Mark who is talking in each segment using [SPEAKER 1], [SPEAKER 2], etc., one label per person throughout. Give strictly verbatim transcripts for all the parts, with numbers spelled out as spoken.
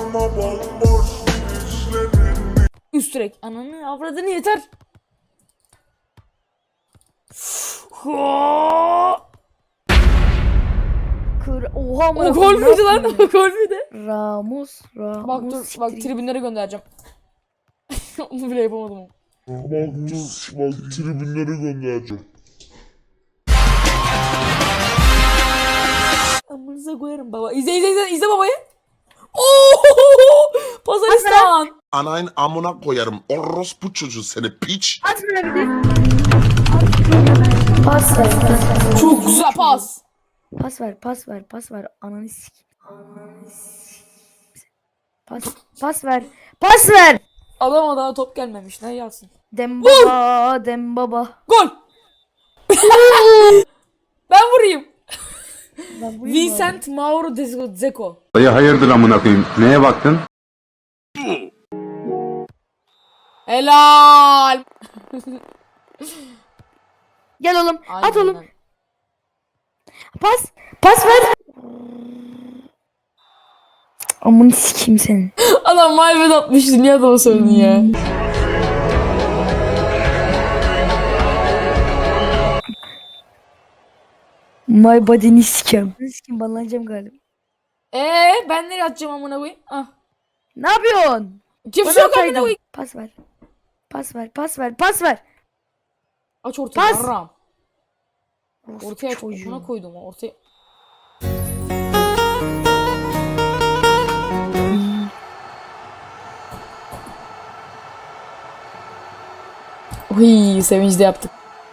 [SPEAKER 1] Üst direk. Ananı avradını yeter.
[SPEAKER 2] Kır. Oha
[SPEAKER 1] O gol müydü lan? O gol müydü?
[SPEAKER 2] Ramos, Ramos.
[SPEAKER 1] Bak dur, bak tribünlere göndereceğim. Onu bile yapamadım.
[SPEAKER 3] Bak, bak tribünlere göndereceğim.
[SPEAKER 1] Amınıza koyarım baba. İzle izle izle izle babayı. Ooo! Pazaristan.
[SPEAKER 3] Anayın amına koyarım. Orospu çocuğu seni piç.
[SPEAKER 2] At bana bir de. Pas ver.
[SPEAKER 1] Çok güzel pas.
[SPEAKER 2] Pas ver, pas ver, pas ver. Ananı sik. Ananı sik. Pas, pas ver. Pas ver.
[SPEAKER 1] Adama daha top gelmemiş. Ne yazsın?
[SPEAKER 2] Dembaba, Dembaba.
[SPEAKER 1] Gol. Ben vurayım.
[SPEAKER 2] Ben vurayım mı
[SPEAKER 1] Vincent Mauro de Zeko.
[SPEAKER 4] Dayı hayırdır amına koyayım? Neye baktın?
[SPEAKER 1] Helal.
[SPEAKER 2] Gel oğlum.
[SPEAKER 1] Aynen
[SPEAKER 2] At oğlum.
[SPEAKER 1] öyle.
[SPEAKER 2] Pas. Pas ver. Amını sikeyim senin.
[SPEAKER 1] Adam maybet atmıştı. Niye adama söyledin ya?
[SPEAKER 2] My body'ni sikeyim. Sikeyim banlanacağım galiba.
[SPEAKER 1] Eee ben nereye atacağım amına koyayım? Ah.
[SPEAKER 2] Ne yapıyorsun?
[SPEAKER 1] Kimse
[SPEAKER 2] Bana
[SPEAKER 1] yok amına
[SPEAKER 2] ataydın.
[SPEAKER 1] koyayım.
[SPEAKER 2] Pas ver. Pas ver, pas ver, pas ver.
[SPEAKER 1] Aç ortaya.
[SPEAKER 2] Pas.
[SPEAKER 1] Ram. Ortaya aç.
[SPEAKER 2] Çocuğu.
[SPEAKER 1] Buna koydum ortaya. Uy, sevinçli yaptık.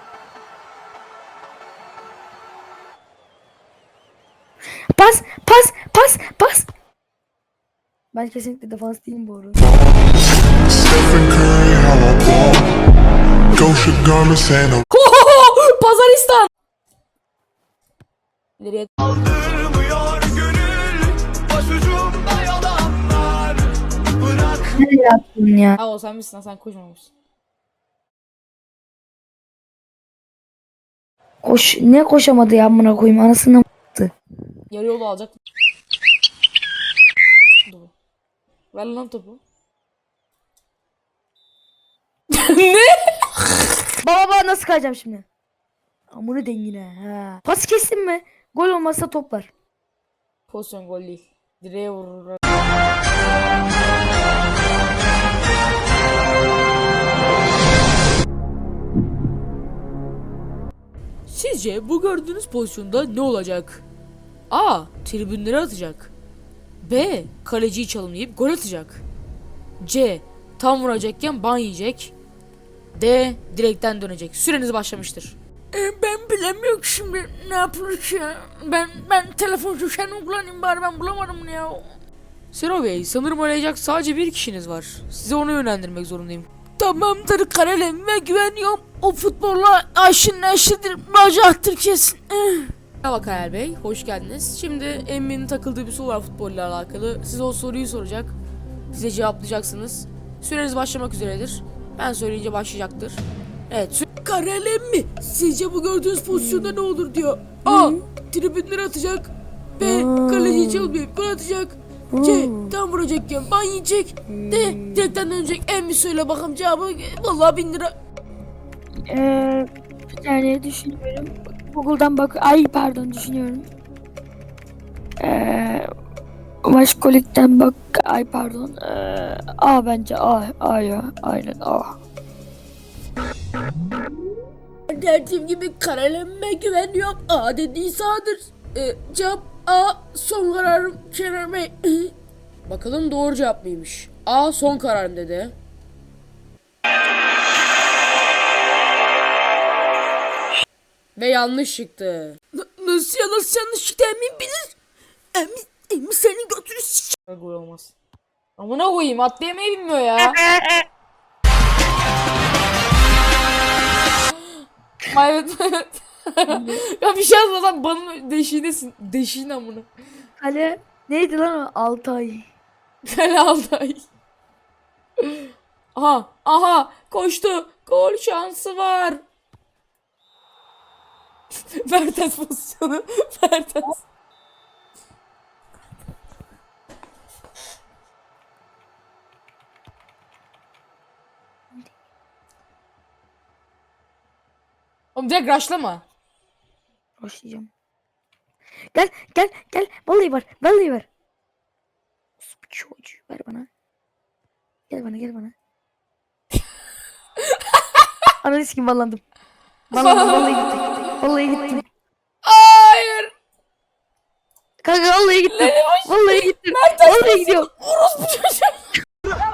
[SPEAKER 2] Pas, pas, pas, pas. Ben kesinlikle defans değilim bu arada.
[SPEAKER 5] Stephen Curry, how I ball. Gosha garments and a
[SPEAKER 1] Pazaristan. İleriye.
[SPEAKER 6] Aldırmıyor gönül başucumda yalanlar. Bırak
[SPEAKER 2] Ne yaptın ya?
[SPEAKER 1] Ha o sen misin? Sen koşmamışsın.
[SPEAKER 2] Koş, ne koşamadı ya amına koyayım anasını m***tı.
[SPEAKER 1] Yarı yolu alacak. Dur. Ver lan topu. Ne?
[SPEAKER 2] Baba baba nasıl kayacağım şimdi? Amını dengine ha. Pas kestin mi? Gol olmazsa top var.
[SPEAKER 1] Pozisyon gol değil. Direğe vurur. Sizce bu gördüğünüz pozisyonda ne olacak? A. Tribünlere atacak. B. Kaleciyi çalımlayıp gol atacak. C. Tam vuracakken ban yiyecek. D. Direkten dönecek. Süreniz başlamıştır. ben bilemiyorum şimdi ne yapılır ya. Ben ben telefoncu sen kullanayım bari ben bulamadım ya. Sero Bey sanırım arayacak sadece bir kişiniz var. Size onu yönlendirmek zorundayım. Tamamdır karaleme güveniyorum. O futbolla aşın neşidir. Bacaktır kesin. Merhaba Kayal Bey, hoş geldiniz. Şimdi Emmi'nin takıldığı bir soru var futbolla alakalı. Size o soruyu soracak. Size cevaplayacaksınız. Süreniz başlamak üzeredir. Ben söyleyince başlayacaktır. Evet. Karalem mi? Sizce bu gördüğünüz pozisyonda ne olur diyor. A. Tribünlere atacak. B. Kaleciyi çalmayıp gol atacak. C. Tam vuracakken ban yiyecek. D. Direkten dönecek. Emmi söyle bakalım cevabı. Vallahi bin lira.
[SPEAKER 2] Eee bir tane düşünüyorum. Google'dan bak. Ay pardon düşünüyorum. Eee Maşkolik'ten bak. Ay pardon. Eee A bence A. A ya. Aynen A.
[SPEAKER 1] Dediğim gibi karalemme güveniyorum. A dediği sağdır. Ee, cevap A. Son kararım Kenan Bey. Bakalım doğru cevap mıymış? A son kararım dedi. Ve yanlış çıktı. N- nasıl ya nasıl yanlış çıktı emin bilir. Emin, emin senin götünü s***. Gol olmaz. Amına koyayım atlayamayı bilmiyor ya. Evet evet. Ya bir şey yazmadan banın deşiğindesin. Deşiğin amına.
[SPEAKER 2] Kale neydi lan o? Altay.
[SPEAKER 1] Kale Altay. Aha aha koştu. Gol şansı var. Mertens pozisyonu. Mertens. Oğlum direkt rushlama.
[SPEAKER 2] Başlayacağım. Gel gel gel. Vallahi var. Vallahi var. Çocuğu ver bana. Gel bana gel bana. Ananı sikim ballandım. Ballandım vallahi gittim. Vallahi gittim.
[SPEAKER 1] Hayır.
[SPEAKER 2] Kanka vallahi gittim. Vallahi gittim.
[SPEAKER 1] Mert
[SPEAKER 2] Vallahi gidiyorum.
[SPEAKER 1] Orospu çocuğu.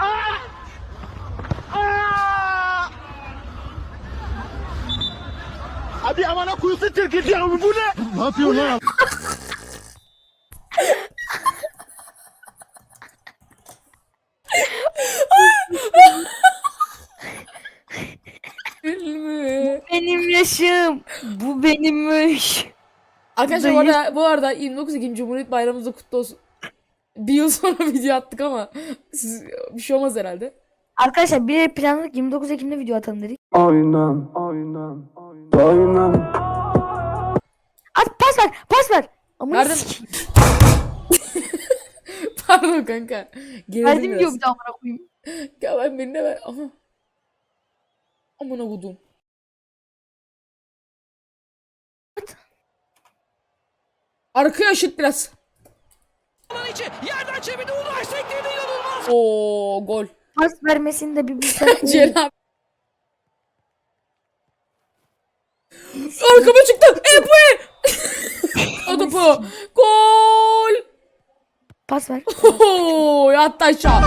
[SPEAKER 6] Abi amana kuyusu Türkiye ya bu ne? Ne yapıyorsun lan?
[SPEAKER 1] Filmi.
[SPEAKER 2] Benim yaşım. Bu benimmiş.
[SPEAKER 1] Arkadaşlar bu
[SPEAKER 2] Dayı-
[SPEAKER 1] arada, bu arada yirmi dokuz Ekim Cumhuriyet Bayramımız da kutlu olsun. Bir yıl sonra video attık ama siz, bir şey olmaz herhalde.
[SPEAKER 2] Arkadaşlar bir planladık yirmi dokuz Ekim'de video atalım dedik.
[SPEAKER 4] Aynen, aynen, aynen.
[SPEAKER 2] At pas ver. Pas ver. Amına
[SPEAKER 1] Nereden-
[SPEAKER 2] sikeyim.
[SPEAKER 1] Pardon kanka. Gerildim
[SPEAKER 2] Verdim
[SPEAKER 1] biraz.
[SPEAKER 2] diyor bir daha amına koyayım.
[SPEAKER 1] Ya ben birine ver. Aha. Amına kodum. Arkaya şut biraz.
[SPEAKER 6] içi yerden çevirdi Ulaş tekniğinde inanılmaz.
[SPEAKER 1] Oo gol.
[SPEAKER 2] Pas vermesini de bir bilsen.
[SPEAKER 1] Celal. Arkama çıktı. Epoe. O topu. Gol.
[SPEAKER 2] Pas ver.
[SPEAKER 1] Oho, yattı aşağı.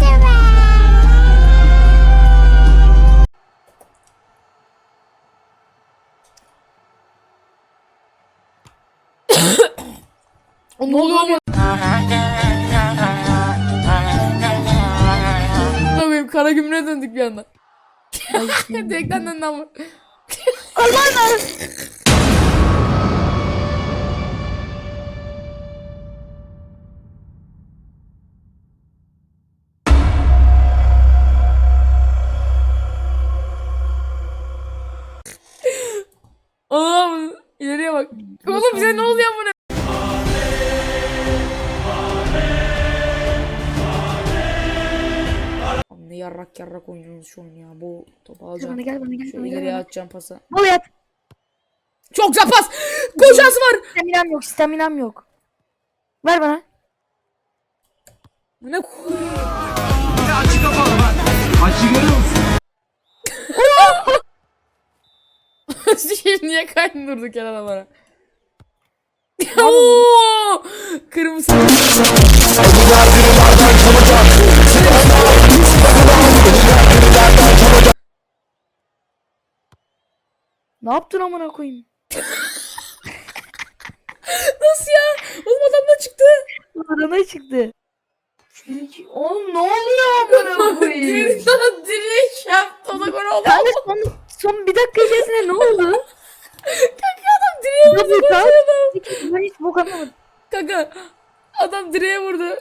[SPEAKER 1] O ne oluyor ama? Ne yapayım? Kara gümrüğe döndük bir anda. Direkten döndü ama.
[SPEAKER 2] Allah'ım.
[SPEAKER 1] Allah'ım ileriye bak. Oğlum bize ne oluyor bu ne? Ne yarrak yarrak oynuyorsunuz şu an ya. Bu topu
[SPEAKER 2] Gel
[SPEAKER 1] alacağım.
[SPEAKER 2] bana gel bana gel
[SPEAKER 1] Şu
[SPEAKER 2] bana
[SPEAKER 1] ileriye
[SPEAKER 2] gel.
[SPEAKER 1] atacağım pası.
[SPEAKER 2] Bol yat.
[SPEAKER 1] Çok güzel pas. Gol şansı var.
[SPEAKER 2] Staminam yok staminam yok. Ver bana.
[SPEAKER 1] Bu ne?
[SPEAKER 6] Açık kapalı bak. Açı görüyor musun?
[SPEAKER 1] Şimdi niye kaydın durduk yana bana? Oo! Kırmızı.
[SPEAKER 2] Ne yaptın amına koyayım?
[SPEAKER 1] Nasıl ya? Oğlum adam da çıktı.
[SPEAKER 2] Arana çıktı. Oğlum ne oluyor amına koyayım?
[SPEAKER 1] Sana direş yaptı. O da gol oldu.
[SPEAKER 2] Kanka son, son bir dakika içerisinde ne oldu?
[SPEAKER 1] Kanka adam direğe vurdu.
[SPEAKER 2] Double
[SPEAKER 1] Gol
[SPEAKER 2] tap.
[SPEAKER 1] oldu.
[SPEAKER 2] Ben hiç bok anlamadım.
[SPEAKER 1] Kanka adam direğe vurdu.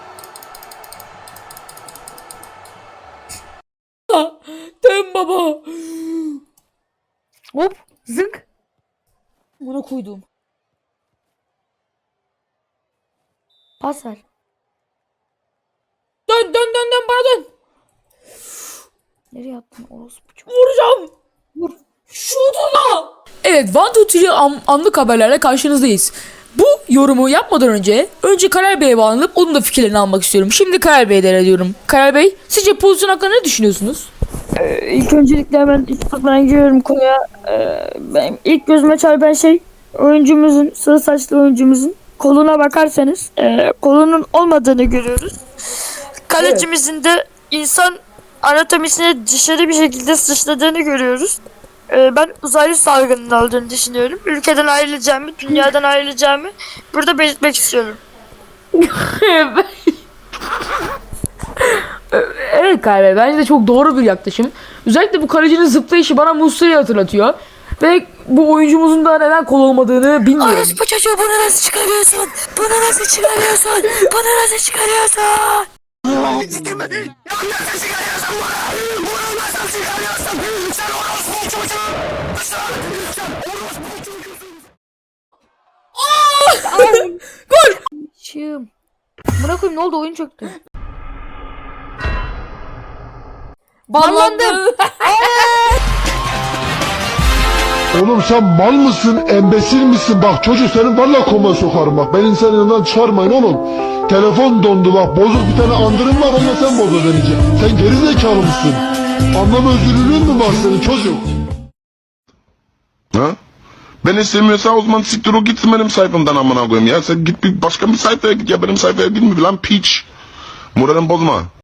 [SPEAKER 1] Dön baba.
[SPEAKER 2] Hop zınk.
[SPEAKER 1] Buna koydum.
[SPEAKER 2] Pas ver.
[SPEAKER 1] Dön dön dön dön bana dön.
[SPEAKER 2] Nereye attın orospu çok.
[SPEAKER 1] Vuracağım.
[SPEAKER 2] Vur.
[SPEAKER 1] Şutuna. Evet, One Two Three an- anlık haberlerle karşınızdayız. Bu yorumu yapmadan önce önce Karar Bey'e bağlanıp onun da fikirlerini almak istiyorum. Şimdi Karar Bey'e devrediyorum. Karar Bey, sizce pozisyon hakkında ne düşünüyorsunuz?
[SPEAKER 7] İlk öncelikle hemen ben giriyorum konuya. Ee, benim ilk gözüme çarpan şey oyuncumuzun, sarı saçlı oyuncumuzun koluna bakarsanız e, kolunun olmadığını görüyoruz. Kalecimizin de insan anatomisine dışarı bir şekilde sıçradığını görüyoruz. Ee, ben uzaylı salgının olduğunu düşünüyorum. Ülkeden ayrılacağımı, dünyadan ayrılacağımı burada belirtmek istiyorum.
[SPEAKER 1] Evet Karar Bey, bence de çok doğru bir yaklaşım. Özellikle bu kalecinin zıplayışı bana Muslera'yı hatırlatıyor. Ve bu oyuncumuzun da neden kol olmadığını bilmiyorum.
[SPEAKER 2] Orospu çocuğu bunu nasıl çıkarıyorsun? Bunu nasıl çıkarıyorsun? Bunu nasıl çıkarıyorsun?
[SPEAKER 1] Gol!
[SPEAKER 2] Şım. Buna koyayım ne oldu oyun çöktü.
[SPEAKER 1] Ballandım.
[SPEAKER 8] Oğlum sen mal mısın, embesil misin? Bak çocuk senin valla koma sokarım bak. Beni senin yanından çıkarmayın oğlum. Telefon dondu bak. Bozuk bir tane andırım var, onunla sen boza deneyeceksin. Sen geri zekalı mısın? Anlam özürlülüğün mü var senin çocuk?
[SPEAKER 3] Ha? Ben istemiyorsa o zaman siktir o gitsin benim sayfamdan amına koyayım ya. Sen git bir başka bir sayfaya git ya, benim sayfaya girme lan piç. Moralimi bozma.